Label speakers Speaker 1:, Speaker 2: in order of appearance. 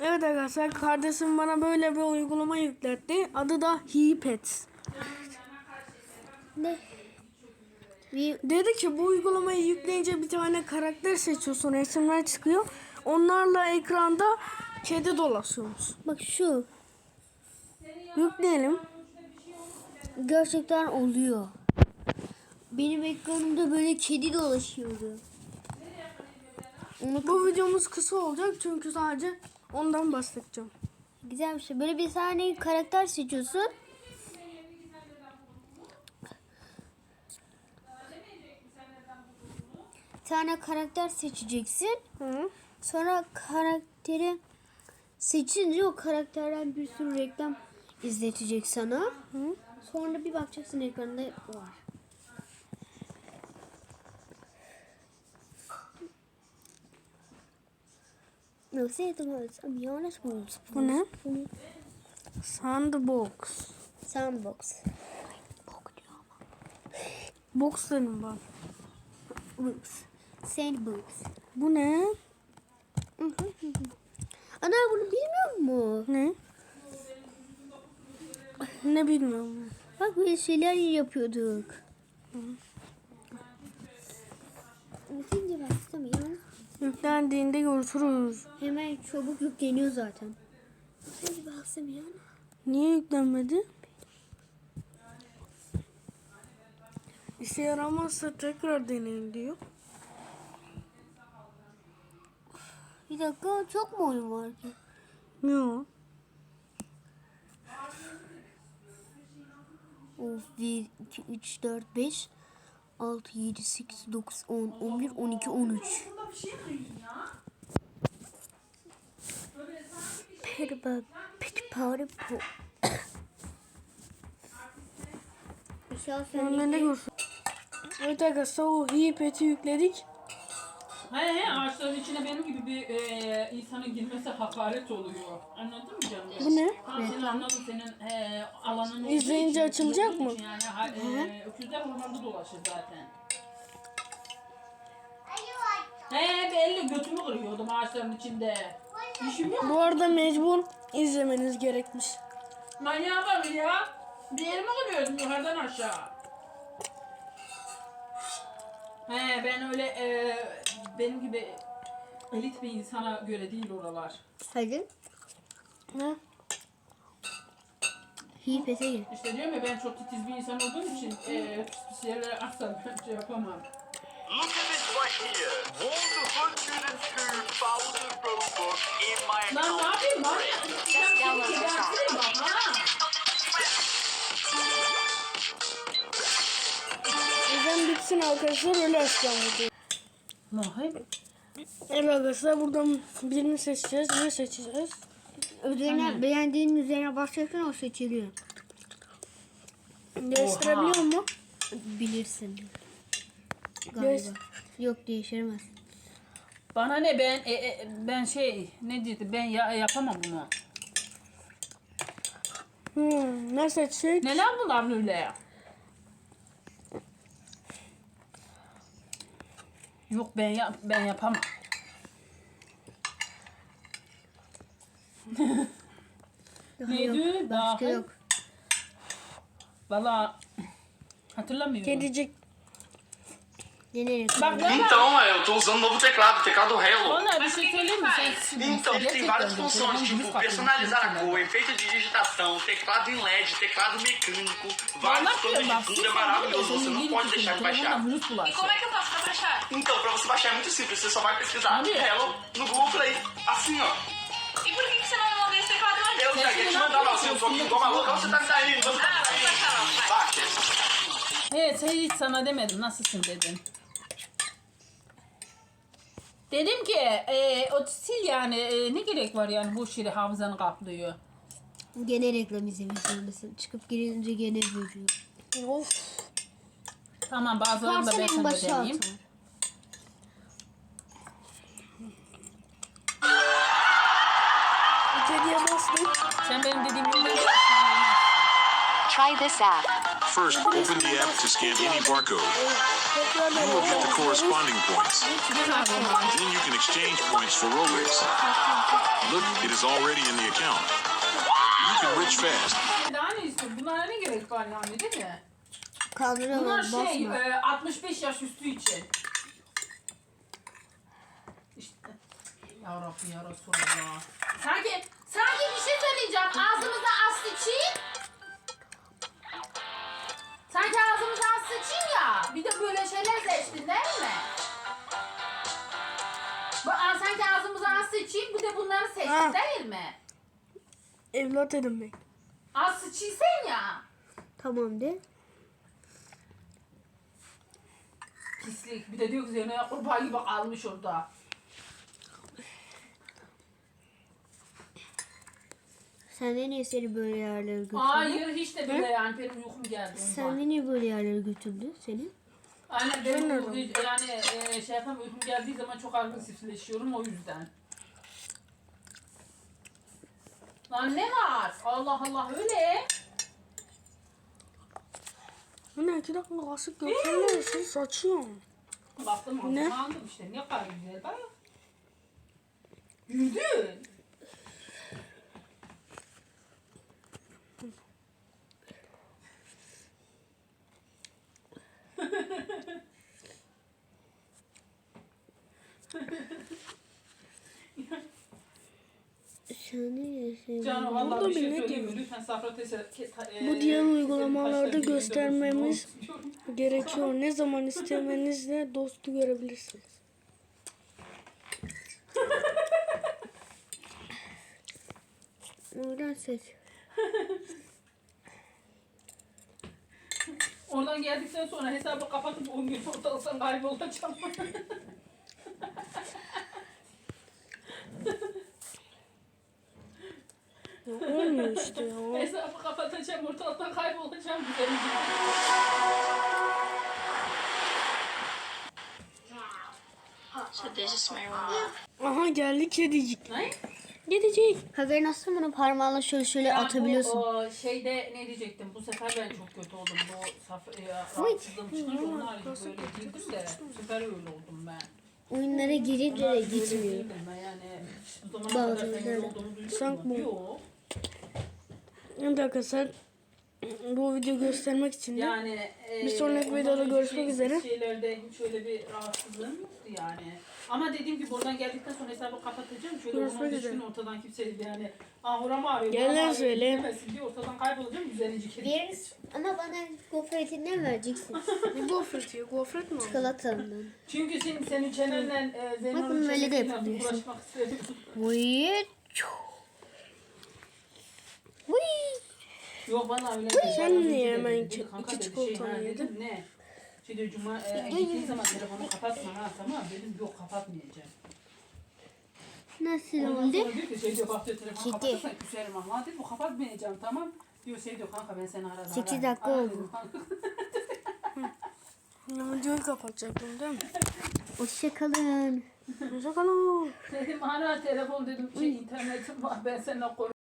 Speaker 1: Evet arkadaşlar, kardeşim bana böyle bir uygulama yükletti. Adı da HePets.
Speaker 2: Ne?
Speaker 1: Dedi ki bu uygulamayı yükleyince bir tane karakter seçiyorsun, resimler çıkıyor. Onlarla ekranda kedi dolaşıyormuş.
Speaker 2: Bak şu.
Speaker 1: Yükleyelim.
Speaker 2: Gerçekten oluyor. Benim ekranımda böyle kedi dolaşıyordu.
Speaker 1: Bu videomuz kısa olacak çünkü sadece ondan bahsedeceğim.
Speaker 2: Güzel bir şey. Böyle bir tane karakter seçiyorsun. Bir tane karakter seçeceksin.
Speaker 1: Hı.
Speaker 2: Sonra karakteri seçince o karakterden bir sürü reklam izletecek sana.
Speaker 1: Hı.
Speaker 2: Sonra bir bakacaksın ekranda var. No, say the words. I'm Jonas Wolves.
Speaker 1: Bu ne? Sandbox.
Speaker 2: Sandbox.
Speaker 1: Box dedim bak.
Speaker 2: Books. Sandbox.
Speaker 1: Bu ne?
Speaker 2: Ana bunu bilmiyor musun?
Speaker 1: Ne? Ne bilmiyorum.
Speaker 2: Bak böyle şeyler yapıyorduk. Şimdi baksana ya.
Speaker 1: Yüklendiğinde görüşürüz.
Speaker 2: Hemen çabuk yükleniyor zaten. Şimdi baksana ya.
Speaker 1: Niye yüklenmedi? İşe yaramazsa tekrar deneyin diyor.
Speaker 2: Bir dakika, çok mu oyun var ki?
Speaker 1: Yok.
Speaker 2: Of, 1, 2, 3, 4, 5, 6, 7, 8, 9, 10, 11, 12, 13. Perba, petipare po.
Speaker 1: Ondan ne görsün? Evet arkadaşlar, o HePets'i yükledik.
Speaker 3: He ağaçların içine benim gibi bir insanın girmesi hakaret oluyor. Anladın mı canım?
Speaker 1: Bu ne?
Speaker 3: Ha, sen anladın, senin alanın olduğu
Speaker 1: İzleyince
Speaker 3: için,
Speaker 1: açılacak
Speaker 3: gördüğün
Speaker 1: mı?
Speaker 3: için Yani öküzler ormanda dolaşır zaten. Belli, götümü kırıyordum ağaçların içinde. İşim yok.
Speaker 1: Bu arada mecbur izlemeniz gerekmiş.
Speaker 3: Manyağa bak ya. Bir yerimi kırıyordum yukarıdan aşağı. Ben öyle benim gibi elit bir insana göre değil oralar.
Speaker 2: Hadi.
Speaker 1: Ne?
Speaker 2: HePets'e gir.
Speaker 3: İşte diyorum ya, ben çok titiz bir insan olduğum için pis yerlere asla ben şey yapamam.
Speaker 4: Look at this right here. 102,000 Robux in my
Speaker 3: Lan ne
Speaker 4: account.
Speaker 3: yapayım lan? Ben seni gebertirim bak ha.
Speaker 1: Bizden bitsin arkadaşlar, öyle açacağım videoyu.
Speaker 3: Lan
Speaker 1: Evet arkadaşlar, buradan birini seçeceğiz. Ne seçeceğiz?
Speaker 2: Üzerine beğendiğin üzerine başlarsan o seçiliyor.
Speaker 1: Değiştirebiliyor mu?
Speaker 2: Bilirsin.
Speaker 1: Değiş.
Speaker 2: Galiba. Yok, değiştiremez.
Speaker 3: bana ne, ben ne dedi, ben yapamam bunu.
Speaker 1: Ne seçecek?
Speaker 3: Neler bunlar böyle? Yok, ben yapamam. Neydi?
Speaker 2: Başka yok.
Speaker 3: Valla hatırlamıyorum.
Speaker 1: Kedicik.
Speaker 2: Deneyim.
Speaker 3: Bak valla.
Speaker 4: Então, eu tô usando um novo teclado, teclado Hello.
Speaker 3: Valla bir şey söyleyeyim mi?
Speaker 4: Então, tem várias funções, tipo personalizar a cor, efeito de digitação, teclado em LED, teclado mecânico, vários planos de fundo, é maravilhoso, você não pode deixar de baixar.
Speaker 5: E como é que eu faço pra baixar?
Speaker 4: Então, pra você baixar é muito simples, você só vai pesquisar Hello no Google Play, assim ó.
Speaker 5: E por que você não me mandou esse teclado antes?
Speaker 4: Eu já ia te mandar lá, eu tô aqui igual maluca, você tá me saindo, você tá
Speaker 5: Ah,
Speaker 4: me
Speaker 5: vamos
Speaker 4: saindo.
Speaker 5: baixar logo, vai.
Speaker 4: Baixa.
Speaker 3: Evet, hiç sana demedim nasılsın dedim. Dedim ki o sil yani, ne gerek var yani, boş yere hafızanı kaplıyor.
Speaker 2: Gene reklam izlemek zorundasın. Çıkıp girince gene görüyor.
Speaker 1: Of.
Speaker 3: Tamam, bazılarını da ben
Speaker 2: Varsa en
Speaker 3: sana
Speaker 2: başa
Speaker 3: deneyeyim.
Speaker 2: atar.
Speaker 1: Kediye bastık.
Speaker 3: Sen benim dediğim gibi
Speaker 6: Try this app. First, open the app to scan any barcode.
Speaker 1: Tekrardan
Speaker 6: You will get the corresponding points.
Speaker 1: çıkacak.
Speaker 6: Then you can exchange points for Robux. Look, it is already in the account. You can rich fast.
Speaker 3: Daha ne istiyorsun? Bunlara ne gerek var yani değil mi? Bunlar
Speaker 2: Kaldırıyorlar
Speaker 3: şey
Speaker 2: basma.
Speaker 3: 65 yaş üstü için. İşte. Ya Rabbi ya Resulallah. Sanki bir şey söyleyeceğim. Ağzımıza az sıçayım. Sanki ağzımıza az sıçayım ya. Bir de böyle şeyler seçtin değil mi? Sanki ağzımıza az sıçayım. Bir de bunları seçtin
Speaker 1: Ha.
Speaker 3: değil mi?
Speaker 1: Evlat edinmek.
Speaker 3: Az sıçıysen ya.
Speaker 2: Tamam de.
Speaker 3: Pislik. Bir de diyor ki Zeyno'ya kurbağa gibi kalmış orada.
Speaker 2: Sen de niye seni böyle yerlere götürdü?
Speaker 3: Hayır hiç de bile yani benim uykum geldi ondan.
Speaker 2: Sen de niye böyle yerlere götürdü seni?
Speaker 3: Aynen benim yani şey yapamam uykum geldiği zaman çok agresifleşiyorum o yüzden. Lan ne var? Allah Allah öyle.
Speaker 1: Anne 2 dakika kasık götürmüyorsun saçıyorum.
Speaker 3: Baktım
Speaker 1: Ne?
Speaker 3: aldım işte ne kadar güzel bak. Yürüdün.
Speaker 2: Sen niye seni...
Speaker 3: Canım vallahi
Speaker 1: Burada
Speaker 3: bir şey
Speaker 1: bir ne
Speaker 3: söyleyeyim mi?
Speaker 1: diyor?
Speaker 3: Lütfen Safra teyze...
Speaker 1: Bu diğer uygulamalarda
Speaker 3: taşla birlikte
Speaker 1: göstermemiz
Speaker 3: olsun.
Speaker 1: gerekiyor. Ne zaman istemenizle dostu görebilirsiniz.
Speaker 2: Oradan seç.
Speaker 3: Oradan geldikten sonra hesabı kapatıp 10 gün ortalıktan kaybolacağım.
Speaker 1: Olmuyor işte ya.
Speaker 3: Hesabı kapatacağım, ortalıktan kaybolacağım. Güzel.
Speaker 5: So this is my room.
Speaker 1: Aha geldi kedicik.
Speaker 3: Ne?
Speaker 1: Kedicik.
Speaker 2: Haberin olsun bunu parmağınla şöyle
Speaker 3: Ya
Speaker 2: atabiliyorsun.
Speaker 3: Bu şeyde ne diyecektim? Bu sefer ben çok kötü oldum. Bu rahatsızlığım çıkınca onun harici böyle girdim de bu sefer öyle oldum ben.
Speaker 2: Oyunlara girince de
Speaker 3: Böyle
Speaker 2: gitmiyor.
Speaker 3: değildim ben yani. Bu zamana kadar sen öyle olduğunu duydun
Speaker 1: Sanki
Speaker 3: mu?
Speaker 1: bu.
Speaker 3: Yok.
Speaker 1: Bir dakika sen bu video göstermek için de
Speaker 3: Yani
Speaker 1: Bir sonraki
Speaker 3: ondan
Speaker 1: videoda
Speaker 3: önceki
Speaker 1: görüşmek üzere.
Speaker 3: Şeylerde hiç öyle bir rahatsızlığım yoktu yani. Ama dediğim gibi buradan geldikten sonra hesabı kapatacağım. Şöyle
Speaker 1: Görüşmek
Speaker 3: 10-15
Speaker 1: üzere.
Speaker 3: gün ortadan kimse yani oram ağrıyor.
Speaker 1: Gel
Speaker 3: buram
Speaker 1: lan
Speaker 3: ağrıyor
Speaker 1: söyle.
Speaker 3: demesin diye ortadan kaybolacağım. Güzelce kedi.
Speaker 2: Bir ama bana gofretinden vereceksin.
Speaker 1: ne gofret ya? Gofret mi o?
Speaker 2: Çikolatandan.
Speaker 3: Çünkü senin çenenle
Speaker 2: Bakın
Speaker 3: Zeyno'nun
Speaker 2: böyle de
Speaker 3: çenesiyle
Speaker 2: yapabiliyorsun.
Speaker 3: uğraşmak istemiyorum.
Speaker 2: Vıy. Vıy.
Speaker 3: Yok bana öyle
Speaker 1: Sen niye hemen
Speaker 3: dedi,
Speaker 1: iki
Speaker 3: kanka dedi,
Speaker 1: çikolatanı
Speaker 3: ha,
Speaker 1: yedin?
Speaker 3: dedim, ne? Şimdi gittiğin zaman telefonu kapatma ha tamam dedim yok kapatmayacağım.
Speaker 2: Nasıl
Speaker 3: Ondan
Speaker 2: oldu?
Speaker 3: sonra diyor ki şey diyor bak diyor telefonu
Speaker 2: Kedi.
Speaker 3: kapatırsan küserim ama dedim bu kapatmayacağım tamam. Diyor şey diyor kanka ben seni arada
Speaker 2: 8 dakika oldu.
Speaker 1: Ya videoyu kapatacaktım değil mi?
Speaker 2: Hoşçakalın.
Speaker 1: Hoşçakalın.
Speaker 3: Dedim ana telefon dedim şey internetim var ben seninle